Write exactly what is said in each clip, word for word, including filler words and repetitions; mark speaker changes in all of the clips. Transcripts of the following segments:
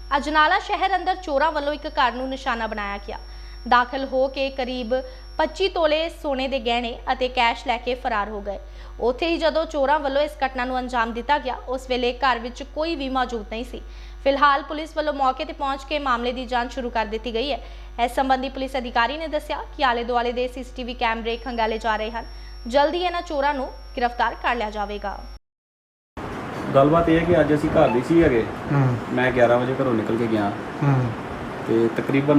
Speaker 1: ਅਜਨਾਲਾ ਸ਼ਹਿਰ ਅੰਦਰ ਚੋਰਾਂ ਵੱਲੋਂ ਇੱਕ ਘਰ ਨੂੰ ਨਿਸ਼ਾਨਾ ਬਣਾਇਆ ਗਿਆ। ਦਾਖਲ ਹੋ ਕੇ ਕਰੀਬ ਪੱਚੀ ਤੋਲੇ ਸੋਨੇ ਦੇ ਗਹਿਣੇ ਅਤੇ ਕੈਸ਼ ਲੈ ਕੇ ਫਰਾਰ ਹੋ ਗਏ। ਉੱਥੇ ਹੀ ਜਦੋਂ ਚੋਰਾਂ ਵੱਲੋਂ ਇਸ ਘਟਨਾ ਨੂੰ ਅੰਜਾਮ ਦਿੱਤਾ ਗਿਆ, ਉਸ ਵੇਲੇ ਘਰ ਵਿੱਚ ਕੋਈ ਵੀ ਮੌਜੂਦ ਨਹੀਂ ਸੀ। ਫਿਲਹਾਲ ਪੁਲਿਸ ਵੱਲੋਂ ਮੌਕੇ ਤੇ ਪਹੁੰਚ ਕੇ ਮਾਮਲੇ ਦੀ ਜਾਂਚ ਸ਼ੁਰੂ ਕਰ ਦਿੱਤੀ ਗਈ ਹੈ। ਇਸ ਸੰਬੰਧੀ ਪੁਲਿਸ ਅਧਿਕਾਰੀ ਨੇ ਦੱਸਿਆ ਕਿ ਆਲੇ ਦੁਆਲੇ ਦੇ ਸੀਸੀਟੀਵੀ ਕੈਮਰੇ ਖੰਗਾਲੇ ਜਾ ਰਹੇ ਹਨ। ਜਲਦੀ ਇਹਨਾਂ ਚੋਰਾਂ ਨੂੰ गिरफ्तार कर लिया जाएगा।
Speaker 2: गलबात यह है कि अज असी घर नहीं सी हैगे। मैं ग्यारह बजे घरों निकल के गया तो तकरीबन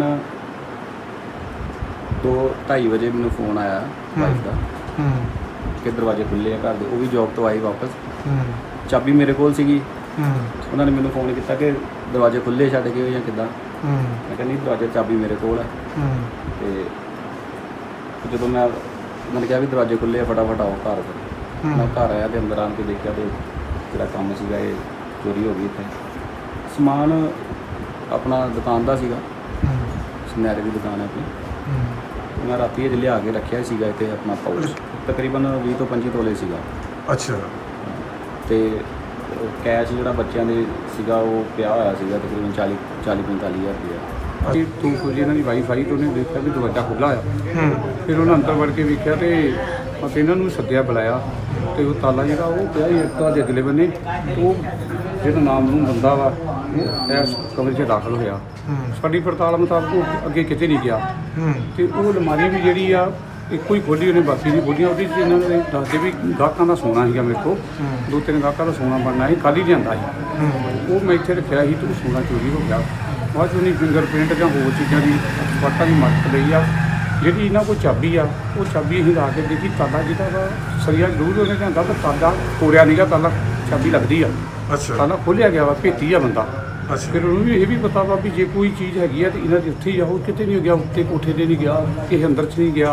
Speaker 2: दो ढाई बजे मैंने फोन आया वाइफ का कि दरवाजे खुले हैं घर के। वो भी जॉब तो आई वापस, चाबी मेरे को सी। उन्होंने मैंने फोन किया कि दरवाजे खुले छड्ड गए या किदा। मैं कहा नहीं, दरवाजे चाबी मेरे को है। तो जो मैं उन्होंने कहा भी दरवाजे खुले फटाफट आओ घर। मैं घर आया तो अंदर आके देखा तो जो काम सीगा ये चोरी हो गई। इतने समान अपना दुकान का सीगा, सुनहरे की दुकान है अपनी। मैं राती ये लिया के रखा सीगा इतने अपना पाउच, तकरीबन भी तो पंजी तोले सीगा।
Speaker 3: अच्छा।
Speaker 2: तो कैश जो बच्चों ने सीगा वो पिया होया सीगा तकरीबन चाली चाली पैंताली हज़ार रुपया।
Speaker 4: तू कुछ इन्हों की वाईफ आई तो उन्हें देखा भी दरवाजा खुला है। फिर उन्हें अंदर वड़ के वेख्या तो इन्हों सद्या बुलाया तो वो ताला जो पिया घर के अगले बने। तो जो नाम नूम बंदा वा इस कमरे से दाखिल होया। साड़ी पड़ताल मुताबिक वो अगे किते नहीं गया। तो वो अलमारी भी जी एको ही खोली, उन्हें बाकी नहीं खोलियां। वो इन्होंने दसते भी गाहकों का सोना है मेरे को, दो तीन गाहकों का सोना बनना है, कल ही लिया है। वो मैं इतने रखा ही तो सोना चोरी हो गया। बाद उन्हें फिंगरप्रिंट या होर चीज़ों की एक्सपर्टा की मदद ली आ। जी इन्हों को चाबी आ, वो चाबी अं ला के देखी ताला जो सरिया जरूर उन्हें लिया पर ताला तोड़िया नहीं गया। ताला चाबी लगती है।
Speaker 3: अच्छा।
Speaker 4: ताला खोलिया गया वा, भेती आ बंदा।
Speaker 3: अच्छा।
Speaker 4: फिर उन्होंने भी ये भी पता वा भी जे कोई चीज़ हैगी है तो इन्होंने उत्थे ही आ, कितने नहीं गया, उत्ते कोठे से नहीं गया, किसी अंदर च नहीं गया।